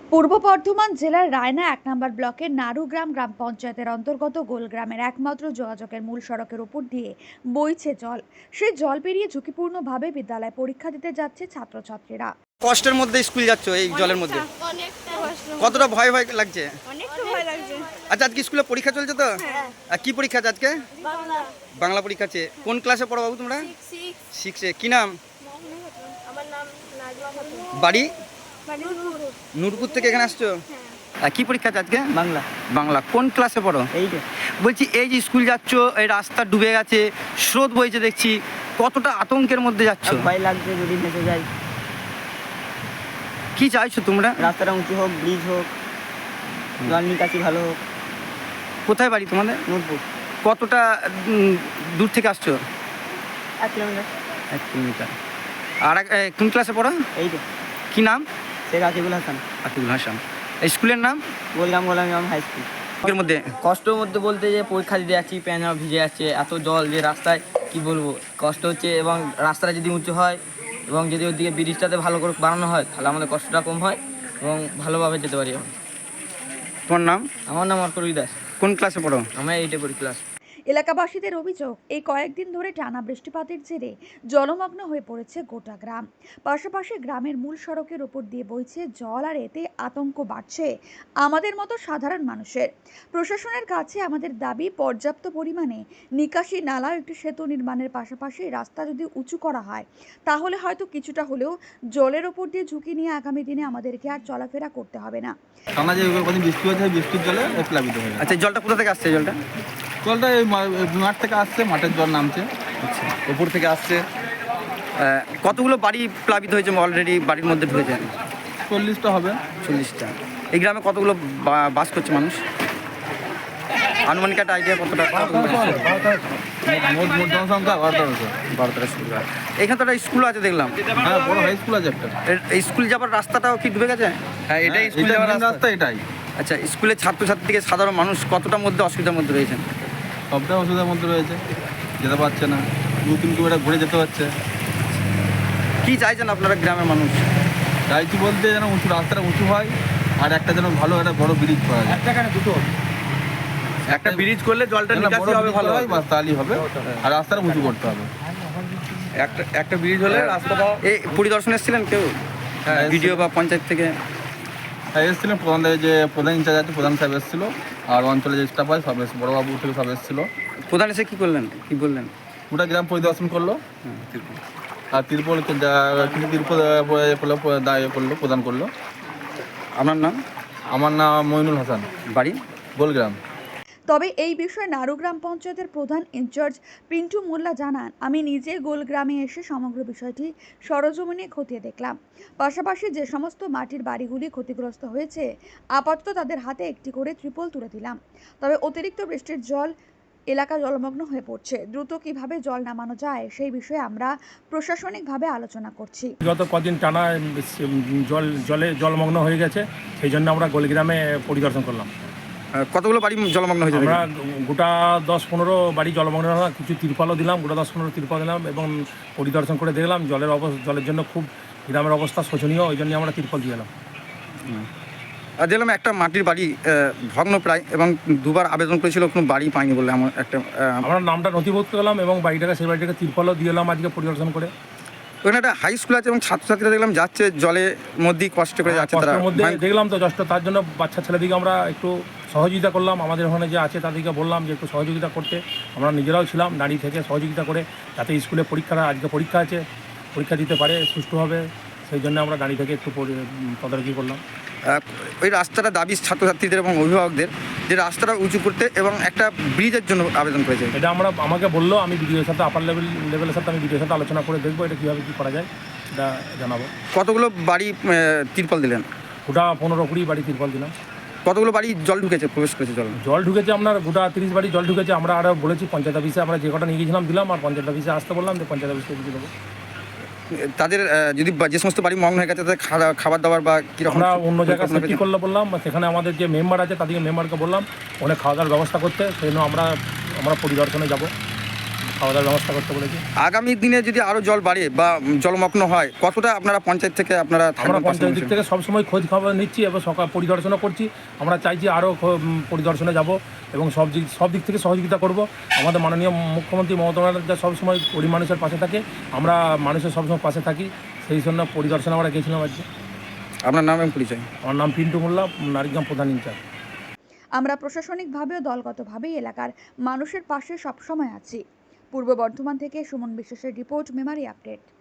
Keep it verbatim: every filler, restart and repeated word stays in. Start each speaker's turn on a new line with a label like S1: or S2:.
S1: পূর্ব বর্ধমান জেলার রায়না এক নম্বর ব্লকের নারুগ্রাম গ্রাম পঞ্চায়েতের অন্তর্গত গোলগ্রামের একমাত্র যোগাযোগের মূল সড়কের উপর দিয়ে বইছে জল। সেই জল পেরিয়ে ঝুঁকিপূর্ণভাবে বিদ্যালয়ে পরীক্ষা দিতে যাচ্ছে ছাত্রছাত্রীরা।
S2: কষ্টের মধ্যে স্কুল যাচ্ছ এই জলের মধ্যে,
S3: অনেকটা কষ্ট,
S2: কতটা ভয় ভয় লাগছে?
S3: অনেকটা ভয় লাগছে।
S2: আচ্ছা, আজকে স্কুলে পরীক্ষা চলছে তো? আর কি পরীক্ষা আছে আজকে?
S3: বাংলা
S2: বাংলা পরীক্ষা আছে। কোন ক্লাসে পড়ো বাবু তোমরা?
S3: সিক্স।
S2: সিক্সে। কি নাম?
S3: আমার নাম নাজমা খাতুন।
S2: বাড়ি?
S3: নূরপুর।
S2: নূরপুর থেকে এখানে আসছো? আর কি পরীক্ষা আছে আজকে?
S4: বাংলা।
S2: বাংলা। কোন ক্লাসে পড়ো?
S4: এইটা
S2: বলছি এই যে স্কুল যাচ্ছ, এই রাস্তা ডুবে গেছে, স্রোত বইছে দেখছি, কতটা আতঙ্কের মধ্যে যাচ্ছ?
S4: ভয় লাগছে যদি ভেসে যায়।
S2: কি চাইছো তোমরা?
S4: রাস্তাটা উঁচু হোক, ব্রিজ হোক, জল নিকাশি ভালো হোক।
S2: কোথায় বাড়ি তোমাদের?
S4: নূরপুর।
S2: কতটা উম, দূর থেকে আসছো?
S4: এক কিলোমিটার।
S2: এক কিলোমিটার। আর এক- এ, কোন ক্লাসে পড়ো?
S4: এইটা
S2: কি নাম?
S4: শেখ আকিবুল হাসান।
S2: আতিকুল হাসান। এই স্কুলের নাম?
S4: Golgram Golam high school.
S2: এর মধ্যে
S4: কষ্টের মধ্যে বলতে যে পরীক্ষা দিতে যাচ্ছি, প্যান ভিজে যাচ্ছে, এত জল যে রাস্তায় কি বলবো, কষ্ট হচ্ছে। এবং রাস্তাটা যদি উঁচু হয় এবং যদি ওদিকে ব্রিজটাতে ভালো করে বানানো হয় তাহলে আমাদের কষ্টটা কম হয় এবং ভালোভাবে যেতে পারি আমি।
S2: তোমার নাম?
S4: আমার নাম অর্করুই দাস।
S2: কোন ক্লাসে পড়ো?
S4: আমার এইটে পড়ি ক্লাস।
S1: এলাকাবাসীদের অভিযোগ, এই কয়েকদিন ধরে টানা বৃষ্টিপাতের জেরে জলমগ্ন হয়ে পড়েছে গোটা গ্রাম। পাশাপাশি গ্রামের মূল সড়কের ওপর দিয়ে বইছে জল, আর এতে আতঙ্ক বাড়ছে আমাদের মতো সাধারণ মানুষের। প্রশাসনের কাছে আমাদের দাবি, পর্যাপ্ত পরিমাণে নিকাশি নালা, একটি সেতু নির্মাণের পাশাপাশি রাস্তা যদি উঁচু করা হয় তাহলে হয়তো কিছুটা হলেও জলের ওপর দিয়ে ঝুঁকি নিয়ে আগামী দিনে আমাদেরকে আর চলাফেরা করতে হবে না।
S5: টানা যে কদিন বৃষ্টি হয়েছে, বৃষ্টির জলে ও প্লাবিত হয়ে গেছে।
S2: আচ্ছা, এই জলটা কোথা থেকে আসছে? এই জলটা
S5: জলটা এই মা- এই মাঠ থেকে আসছে, মাঠের জল নামছে,
S2: আচ্ছা,
S5: উপর থেকে আসছে।
S2: আহ, কতগুলো বাড়ি প্লাবিত হয়েছে অলরেডি? বাড়ির মধ্যে ঢুকেছে
S5: চল্লিশটা হবে।
S2: চল্লিশটা। এই গ্রামে কতগুলো বা- বাস করছে মানুষ? আনুমানিক একটা আইডিয়া কতটা? কতগুলো?
S5: মোট মোট জনসংখ্যা বারো তেরোশো।
S2: বারো তেরো স্কুল। এখানে তো একটা স্কুল আছে দেখলাম।
S5: হ্যাঁ, বড় হাই স্কুল আছে একটা।
S2: এর- এই স্কুল যাবার রাস্তাটাও কি ডুবে গেছে?
S5: হ্যাঁ, এটাই স্কুল যাওয়ার রাস্তা, এটাই।
S2: আচ্ছা, স্কুলের ছাত্রছাত্রী থেকে সাধারণ মানুষ কতটার মধ্যে অসুবিধার মধ্যে রয়েছে?
S5: সবটাই অসুবিধার মধ্যে রয়েছে, যেতে পারছে না, দু তিন কিলোমিটার ঘুরে যেতে হচ্ছে।
S2: কি চাইছেন আপনারা গ্রামের মানুষ?
S5: চাইছি বলতে যেন উঁচু রাস্তাটা উঁচু হয়, আর একটা যেন ভালো একটা বড় ব্রিজ করা যায়।
S2: দুটো একটা ব্রিজ করলে জলটা
S5: যেন
S2: নিকাশি
S5: বড়
S2: হবে,
S5: bridge
S2: ভালো
S5: করা
S2: হয়।
S5: হয়, বাস তাহলেই হবে। আর রাস্তাটা উঁচু করতে হবে।
S2: একটা একটা ব্রিজ হলে রাস্তাটা। এই পরিদর্শনে এসেছিলেন কেউ?
S5: হ্যাঁ,
S2: ভিডিও বা পঞ্চায়েত থেকে?
S5: হ্যাঁ, এসেছিলেন প্রধান, যে প্রধান ইনচার্জ আছে প্রধান সাহেব এসেছিলো, আর অঞ্চলে যে স্টাফ আছে সব এসে, বড়োবাবু থেকে সব এসেছিলো।
S2: প্রধান এসে কি করলেন, কি বললেন?
S5: গোটা গ্রাম পরিদর্শন করলো, আর তিরপল কিছু তিরপল করলো, করলো প্রদান করলো।
S2: আপনার নাম?
S5: আমার নাম মইনুল হাসান,
S2: বাড়ি?
S5: গোলগ্রাম।
S1: তবে এই বিষয়ে নারুগ্রাম পঞ্চায়েতের প্রধান ইনচার্জ পিন্টু মোল্লা জানান, আমি নিজে গোলগ্রামে এসে সমগ্র বিষয়টি সরজমিনে খতিয়ে দেখলাম। পাশাপাশি যে সমস্ত মাটির বাড়িগুলি ক্ষতিগ্রস্ত হয়েছে আপাতত তাদের হাতে একটি করে ত্রিপল তুলে দিলাম। তবে অতিরিক্ত বৃষ্টির জল এলাকা জলমগ্ন হয়ে পড়ছে, দ্রুত কিভাবে জল নামানো যায় সেই বিষয়ে আমরা প্রশাসনিকভাবে আলোচনা করছি।
S6: গত কদিন টানা জল জলে জলমগ্ন হয়ে গেছে, সেই জন্য আমরা গোলগ্রামে পরিদর্শন করলাম।
S2: আহ, কতগুলো বাড়ি জলমগ্ন হয়েছে?
S6: আমরা গোটা দশ পনেরো বাড়ি জলমগ্ন হলাম, কিছু তিরপালও দিলাম, গোটা দশ পনেরো তিরপাল দিলাম এবং পরিদর্শন করে দেখলাম জলের অবস্থা, জলের জন্য খুব গ্রামের অবস্থা শোচনীয়, ওই জন্য আমরা তিরপাল দিয়ে এলাম।
S2: আর দেখলাম একটা মাটির বাড়ি আহ, ভগ্ন প্রায়, এবং দুবার আবেদন করেছিল, কোনো বাড়ি পাইনি বলে আমার একটা আহ,
S6: আমরা নামটা নথিভুক্ত করলাম এবং বাড়িটাকে সেই বাড়িটাকে তিরপালও দিয়ে এলাম আজকে পরিদর্শন করে।
S2: ওখানে একটা হাই স্কুল আছে এবং ছাত্রছাত্রীরা দেখলাম যাচ্ছে জলের মধ্যেই কষ্ট করে যাচ্ছে তারা।
S6: কষ্টের মধ্যে
S2: ভাঙ-
S6: দেখলাম তো যষ্ট, তার জন্য বাচ্চা ছেলেদিকে আমরা একটু সহযোগিতা করলাম। আমাদের ওখানে যে আছে তাদেরকে বললাম যে একটু সহযোগিতা করতে। আমরা নিজেরাও ছিলাম দাঁড়িয়ে থেকে সহযোগিতা করে, যাতে স্কুলে পরীক্ষাটা, আজকে পরীক্ষা আছে, পরীক্ষা দিতে পারে সুষ্ঠুভাবে, সেই জন্য আমরা দাঁড়িয়ে থেকে একটু পরি- তদারকি করলাম।
S2: আহ, ওই রাস্তাটা দাবি ছাত্রছাত্রীদের এবং অভিভাবকদের যে রাস্তাটা উঁচু করতে এবং একটা ব্রিজের জন্য আবেদন করেছে।
S6: এটা আমরা, আমাকে বললো, আমি বিডিওর সাথে, আপার লেভেল লেভেলের সাথে আমি বিডিওর সাথে আলোচনা করে দেখবো এটা কীভাবে কী করা যায়, এটা জানাবো।
S2: কতগুলো বাড়ি আহ, তিরপল দিলেন?
S6: গোটা পনেরো কুড়ি বাড়ি তিরপাল দিলাম।
S2: কতগুলো বাড়ি জল ঢুকেছে, প্রবেশ করেছে জল?
S6: জল ঢুকেছে আপনার গোটা তিরিশ বাড়ি জল ঢুকেছে। আমরা আরও বলেছি পঞ্চায়েত অফিসে, আমরা যে কটা নিয়ে গেছিলাম দিলাম, আর পঞ্চায়েত অফিসে আসতে বললাম যে পঞ্চায়েত অফিসে দিয়ে দেবো।
S2: তাদের আহ, যদি বা- যে সমস্ত বাড়ি মগ্ন হয়ে গেছে তাদের খাওয়া- খাবার দাবার বা কীরকম
S6: আমরা অন্য জায়গায়
S2: পরিকল্পনা
S6: সেফটি
S2: পেয়েছেন?
S6: করলে বললাম, সেখানে আমাদের যে মেম্বার আছে তাদেরকে মেম্বারকে বললাম অনেক খাওয়া দাওয়ার ব্যবস্থা করতে, সেই জন্য আমরা আমরা পরিদর্শনে যাব। খাওয়া দাওয়ার ব্যবস্থা করতে বলেছি।
S2: আগামী দিনে যদি আরও জল বাড়ে বা জলমগ্ন হয়, কতটা আপনারা পঞ্চায়েত থেকে আপনারা
S6: আমরা
S2: থাকবেন
S6: পঞ্চায়েত দিক
S2: পাশাপাশি?
S6: থেকে সবসময় খোঁজ খবর নিচ্ছি এবং সকাল পরিদর্শনও করছি। আমরা চাইছি আরও পরিদর্শনে যাব এবং সব দিক সব দিক থেকে সহযোগিতা করব। আমাদের মাননীয় মুখ্যমন্ত্রী মমতা ব্যানার্জি সবসময় গরিব মানুষের পাশে থাকে, আমরা মানুষের সবসময় পাশে থাকি, সেই জন্য পরিদর্শনে আমরা গেছিলাম আজকে।
S2: আপনার নাম এবং পরিচয়?
S6: আমার নাম পিন্টু মোল্লা, নারীগ্রাম প্রধান ইনচার্জ।
S1: আমরা প্রশাসনিকভাবেও দলগতভাবেই এলাকার মানুষের পাশে সবসময় আছি। পূর্ব বর্ধমান থেকে সুমন বিশ্বাসের রিপোর্ট, মেমারি আপডেট।